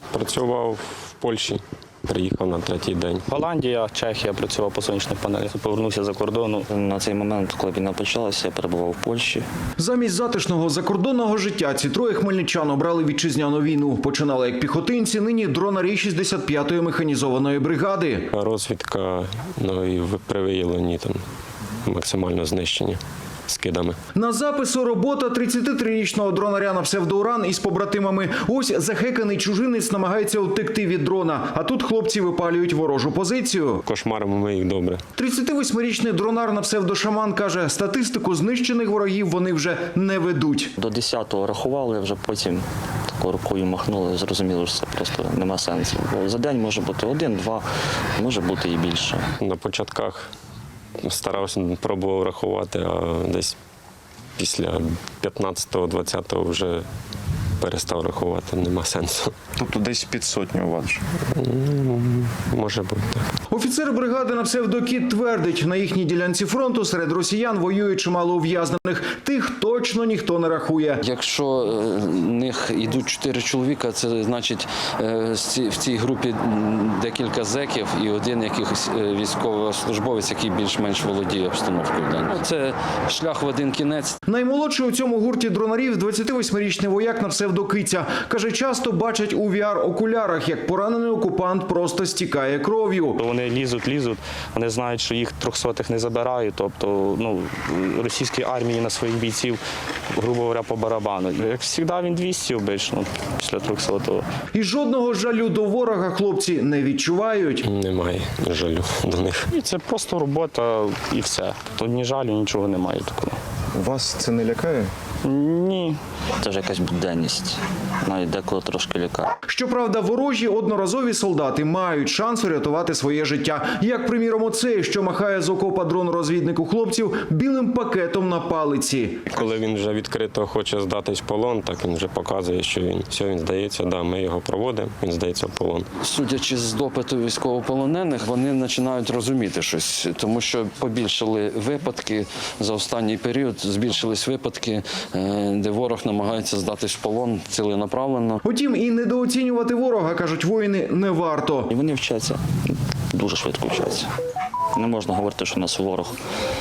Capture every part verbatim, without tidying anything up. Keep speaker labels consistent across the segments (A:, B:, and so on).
A: Працював в Польщі, приїхав на третій день.
B: Голландія, Чехія, працював по сонячних панелях. Повернувся за кордону.
C: На цей момент, коли війна почалася, я перебував в Польщі.
D: Замість затишного закордонного життя ці троє хмельничан обрали вітчизняну війну. Починали як піхотинці, нині дронарі шістдесят п'ятої механізованої бригади.
A: Розвідка, ну і при виявленні там максимально знищення скидами.
D: На запису робота тридцятитрирічного дронаря на псевдоуран із побратимами. Ось захеканий чужинець намагається утекти від дрона, а тут хлопці випалюють ворожу позицію.
A: Кошмаримо ми їх добре.
D: тридцятивосьмирічний дронар на псевдошаман каже, статистику знищених ворогів вони вже не ведуть.
C: До десятого рахували, вже потім такою рукою махнули, зрозуміло, що це просто нема сенсу. Бо за день може бути один, два, може бути і більше.
A: На початках старався, пробував рахувати, а десь після п'ятнадцятого-двадцятого вже перестав рахувати, нема сенсу.
E: Тобто десь під сотню у вас вже?
A: Може бути, так.
D: Офіцер бригади на псевдокіт твердить, на їхній ділянці фронту серед росіян воює чимало ув'язнених. Тих точно ніхто не рахує.
F: Якщо в них йдуть чотири чоловіка, це значить в цій групі декілька зеків і один якийсь військовослужбовець, який більш-менш володіє обстановкою. Це шлях в один кінець.
D: Наймолодший у цьому гурті дронарів – двадцятивосьмирічний вояк на псевдокиця. Каже, часто бачать у ві ар-окулярах, як поранений окупант просто стікає кров'ю.
B: Вони лізуть, лізуть, вони знають, що їх трьохсотих не забирають. Тобто, ну, російській армії на своїх бійців, грубо говоря, по барабану. Як завжди, він двісті обично після трьохсотого.
D: І жодного жалю до ворога хлопці не відчувають.
A: Немає жалю до них.
B: І це просто робота і все. Тут ні жалю, нічого немає такого.
E: Вас це не лякає?
B: Ні.
C: Це вже якась буденність, навіть деколи трошки лякає.
D: Щоправда, ворожі одноразові солдати мають шанс врятувати своє життя. Як, приміром, оцей, що махає з окопа дрон-розвіднику хлопців білим пакетом на палиці.
A: Коли він вже відкрито хоче здатись в полон, так він вже показує, що він все, він здається, да, ми його проводимо, він здається в полон.
F: Судячи з допиту військовополонених, вони починають розуміти щось, тому що побільшали випадки за останній період, збільшились випадки, де ворог намагається здатись в полон ціленаправленно.
D: Утім, і недооцінювати ворога, кажуть воїни, не варто.
C: І вони вчаться, дуже швидко вчаться. Не можна говорити, що у нас ворог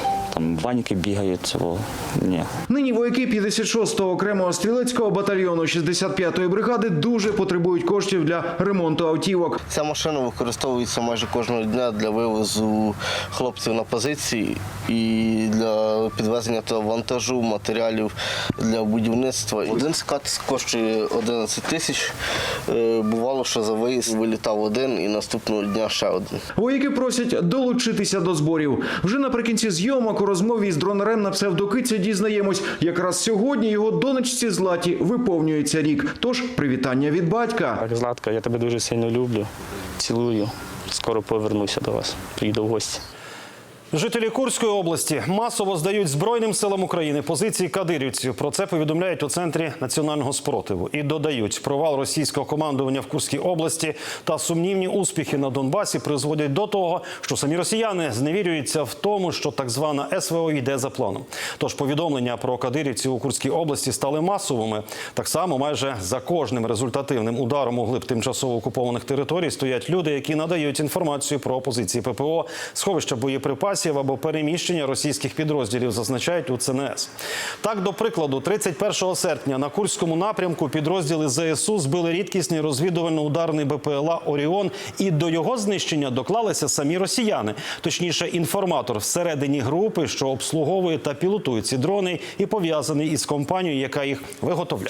C: там ваніки бігають, цього ні.
D: Нині вояки п'ятдесят шостого окремого стрілецького батальйону шістдесят п'ятої бригади дуже потребують коштів для ремонту автівок.
G: Ця машина використовується майже кожного дня для вивозу хлопців на позиції і для підвезення того вантажу, матеріалів для будівництва. Один скат коштує одинадцять тисяч. Бувало, що за виїзд вилітав один і наступного дня ще один.
D: Вояки просять долучитися до зборів. Вже наприкінці зйомок у розмові з дронарем на псевдокиця дізнаємось, якраз сьогодні його донечці Златі виповнюється рік. Тож привітання від батька.
B: Златка, я тебе дуже сильно люблю, цілую. Скоро повернуся до вас, приїду в гості.
H: Жителі Курської області масово здають Збройним силам України позиції кадирівців. Про це повідомляють у Центрі національного спротиву. І додають, провал російського командування в Курській області та сумнівні успіхи на Донбасі призводять до того, що самі росіяни зневірюються в тому, що так звана ес ве о йде за планом. Тож повідомлення про кадирівців у Курській області стали масовими. Так само майже за кожним результативним ударом у глиб тимчасово окупованих територій стоять люди, які надають інформацію про позиції пе пе о, сховища боєприпасів або переміщення російських підрозділів, зазначають у це ен е ес. Так, до прикладу, тридцять першого серпня на Курському напрямку підрозділи зе ес у збили рідкісний розвідувально-ударний бе пе ел а «Оріон», і до його знищення доклалися самі росіяни. Точніше, інформатор всередині групи, що обслуговує та пілотує ці дрони і пов'язаний із компанією, яка їх виготовляє.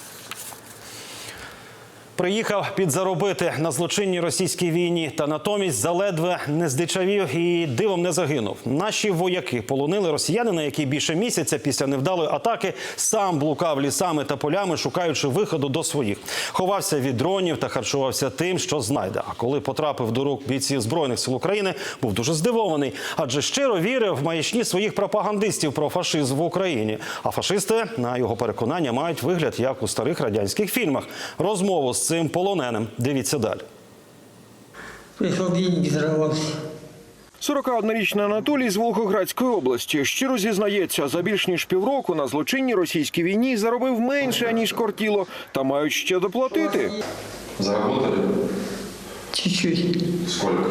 H: Приїхав підзаробити на злочинній російській війні, та натомість заледве не здичавів і дивом не загинув. Наші вояки полонили росіянина, який більше місяця після невдалої атаки сам блукав лісами та полями, шукаючи виходу до своїх. Ховався від дронів та харчувався тим, що знайде. А коли потрапив до рук бійців Збройних сил України, був дуже здивований, адже щиро вірив в маячні своїх пропагандистів про фашизм в Україні. А фашисти, на його переконання, мають вигляд, як у старих радянських фільмах. Розмову з цим полоненим дивіться далі.
I: Прийшов день і взорвався.
J: сорокаоднорічний Анатолій з Волгоградської області щиро зізнається, за більш ніж півроку на злочинній російській війні заробив менше, ніж кортіло, та мають ще доплатити.
E: Заработали?
I: Чуть-чуть.
E: Сколько?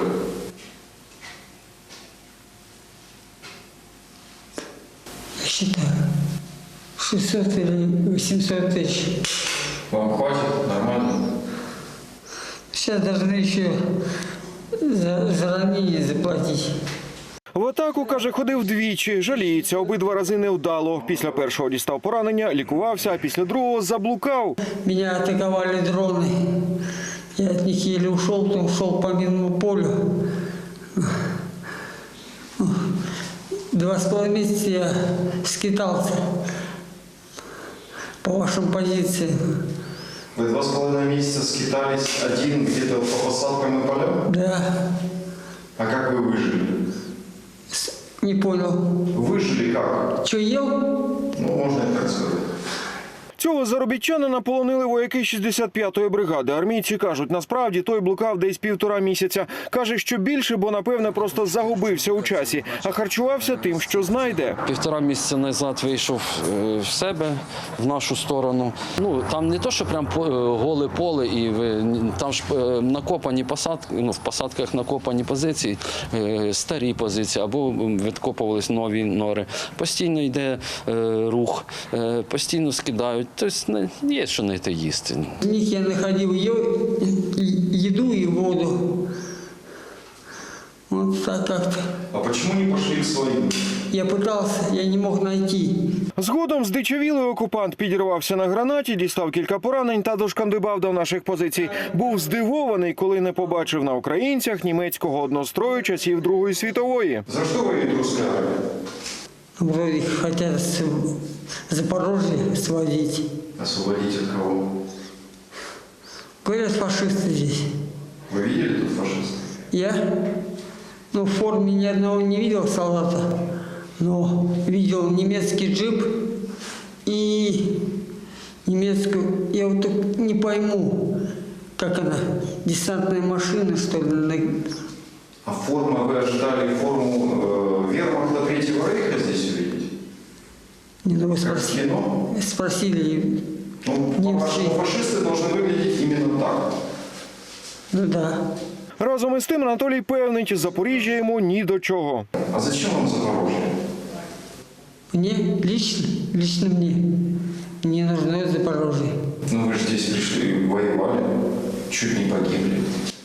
I: Я считаю. шестьсот или восемьсот тысяч.
E: Вам хватит? Нормально?
I: Сейчас должны еще за, за ранение заплатить.
J: В атаку, каже, ходив двічі. Жаліється, обидва рази невдало. Після першого дістав поранення, лікувався, а після другого заблукав.
I: Меня атаковали дроны. Я от них еле ушел, то ушел по минному полю. Два с половиной месяца я скитался по вашим позициям.
E: Вы два с половиной месяца скитались один где-то по посадкам и полям?
I: Да,
E: А как вы выжили?
I: не понял.
E: Выжили как?
I: Что, ел?
E: Ну, можно и так сказать.
J: Цього заробітчанина полонили вояки шістдесят п'ятої бригади. Армійці кажуть, насправді той блукав десь півтора місяця. Каже, що більше, бо, напевне, просто загубився у часі, а харчувався тим, що знайде.
F: Півтора місяця назад вийшов е, в себе, в нашу сторону. Ну, там не то, що прям по- е, голе поле, і ви, там ж е, накопані посадки, ну, в посадках накопані позиції, е, старі позиції, або відкопувались нові нори. Постійно йде е, рух, е, постійно скидають. Тобто не- є що знайти їсти.
I: В них я находил е- еду и воду. Вот так как-то.
E: А почему не пошли к своим?
I: Я пытался, я не мог найти.
J: Згодом здичавілий окупант підірвався на гранаті, дістав кілька поранень та дошкандибав до наших позицій. Був здивований, коли не побачив на українцях німецького однострою часів Другої світової.
E: За что воюет русская армия?
I: Вроде хотят с Запорожье сводить.
E: Освободить от кого?
I: Говорят, фашисты здесь.
E: Вы видели тут фашистов?
I: Я, ну, в форме ни одного не видел солдата, но видел немецкий джип и немецкую, я вот так не пойму, как она, десантная машина, что ли. на-
E: А форма, вы ожидали форму э, вермахта Третьего Рейха здесь увидеть?
I: Не, ну, вы
E: Как в
I: спросили,
E: кино?
I: спросили,
E: Ну,
I: Немцы.
E: по-вашему, фашисты должны выглядеть именно так.
I: ну да.
J: Разом із тим Анатолій певнить, Запоріжжя йому ні до чого.
E: А зачем вам Запорожье?
I: Мне лично, лично мне не нужно Запорожье.
E: Ну вы же здесь пришли, воевали, чуть не погибли.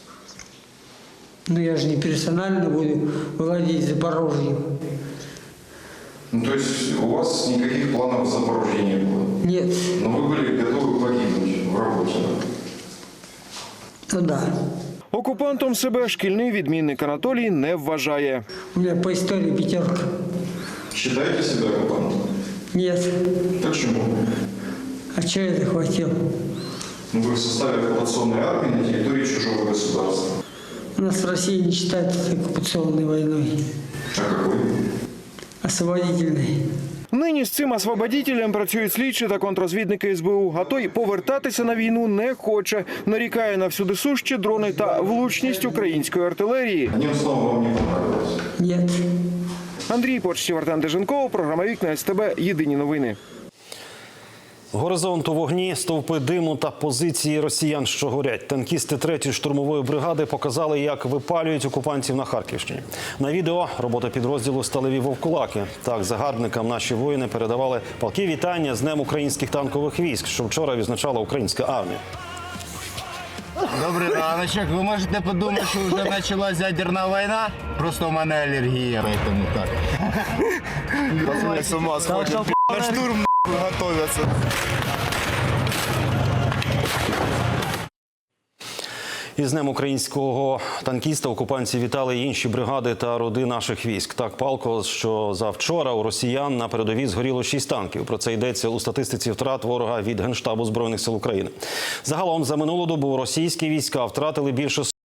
I: Но я же не персонально буду владеть Запорожьем.
E: Ну то есть у вас никаких планов в Запорожье не было?
I: Нет,
E: Но вы были готовы погибнуть в работе, да?
I: ну да.
J: Окупантом себе шкільний відмінник Анатолій не вважає.
I: У меня по истории пятерка.
E: Считаете себя оккупантом?
I: Нет.
E: Почему?
I: А что я захватил?
E: Ну вы в составе оккупационной армии на территории чужого государства.
I: У нас в России не считается оккупационной войной,
E: А какой?
I: освободительной.
J: Нині з цим освободітелем працюють слідчі та контррозвідники ес бе у, а той повертатися на війну не хоче. Нарікає на всюдисущі дрони та влучність української артилерії.
E: Одним словом, вам не понравилось.
I: Нет.
J: Андрій Почтів, Артем Деженков, програма «Вікна ес те бе». Єдині новини.
H: Горизонт у вогні, стовпи диму та позиції росіян, що горять. Танкісти третьої штурмової бригади показали, як випалюють окупантів на Харківщині. На відео робота підрозділу «Сталеві вовкулаки». Так, загарбникам наші воїни передавали палкі вітання з Днем українських танкових військ, що вчора відзначала українська армія.
K: Добрий раночок. Ви можете подумати, що вже почалась ядерна війна. Просто у мене алергія, тому так. Пацани з ума сходять. На штурм готовятся.
H: Із Днем українського танкіста окупанці вітали й інші бригади та роди наших військ. Так палко, що завчора у росіян на передовій згоріло шість танків. Про це йдеться у статистиці втрат ворога від Генштабу Збройних сил України. Загалом за минулу добу російські війська втратили більше